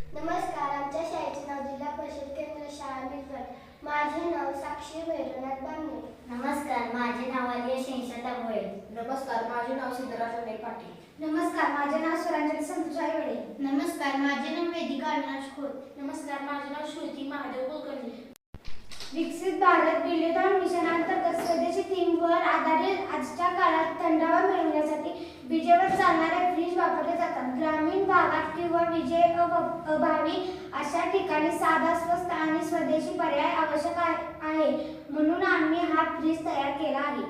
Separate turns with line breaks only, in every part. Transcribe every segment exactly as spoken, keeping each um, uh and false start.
नमस्कार. आमच्या शाळेचे नाव जिल्हा परिषद केंद्र शाळा मिरवड. माझे नाव साक्षी भैरवनाथ बांगणे.
नमस्कार, माझे नाव आलिया शेंशाता भोये.
नमस्कार, माझे नाव सिद्धराज अनिल पाटील.
नमस्कार, माझे नाव स्वरांजली संतोष आईवडे.
नमस्कार, माझे नाव वेदिका अविनाश खोत.
नमस्कार, माझे नाव श्रुती महादेव कुलकर्णी.
विकसित भारत बिल्डथॉन मिशन अंतर्गत स्वदेशी थीमवर आधारित आजच्या काळात थंडावा मिळवण्यासाठी विजेवर चालणारे फ्रीज वापरले जातात. ग्रामीण भागात किंवा विजे अभावी अशा ठिकाणी साधा, स्वस्त आणि स्वदेशी पर्याय आवश्यक आहे, म्हणून आम्ही हा फ्रीज तयार केला आहे.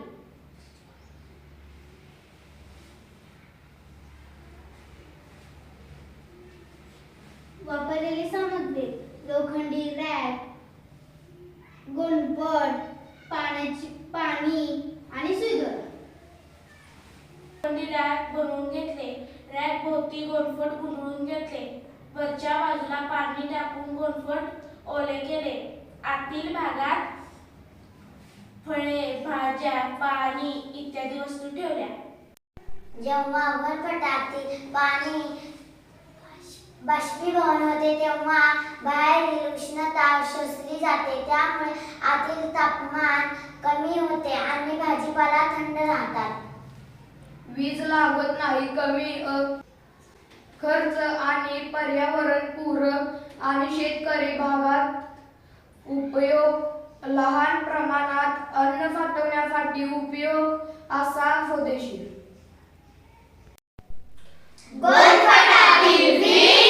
वापरलेली सामग्री: लोखंडी रॅक, गोंडपट, पाण्याची पाणी आणि सुईदोरा.
लोखंडी रॅक बनवून घेतले. रॅक भोवती गोंडफट गुंडळून घेतले. वरच्या बाजूला पाणी टाकून गोंडफट ओले केले. आतील भागात फळे, भाज्या, पाणी इत्यादी वस्तू ठेवल्या.
जेव्हा गोंडपटातील पाणी बाष्पीभवन होते तेव्हा बाहेरील उष्णता शोषली जाते, त्यामुळे आतील तापमान कमी होते आणि भाजीपाला थंड राहतात.
वीज लागत नाही, कमी खर्च आणि पर्यावरण पूरक आणि शेतकरी भागात उपयोग, लहान प्रमाणात अन्न साठवण्यासाठी उपयोग असा स्वदेशी.
गोंडपटातील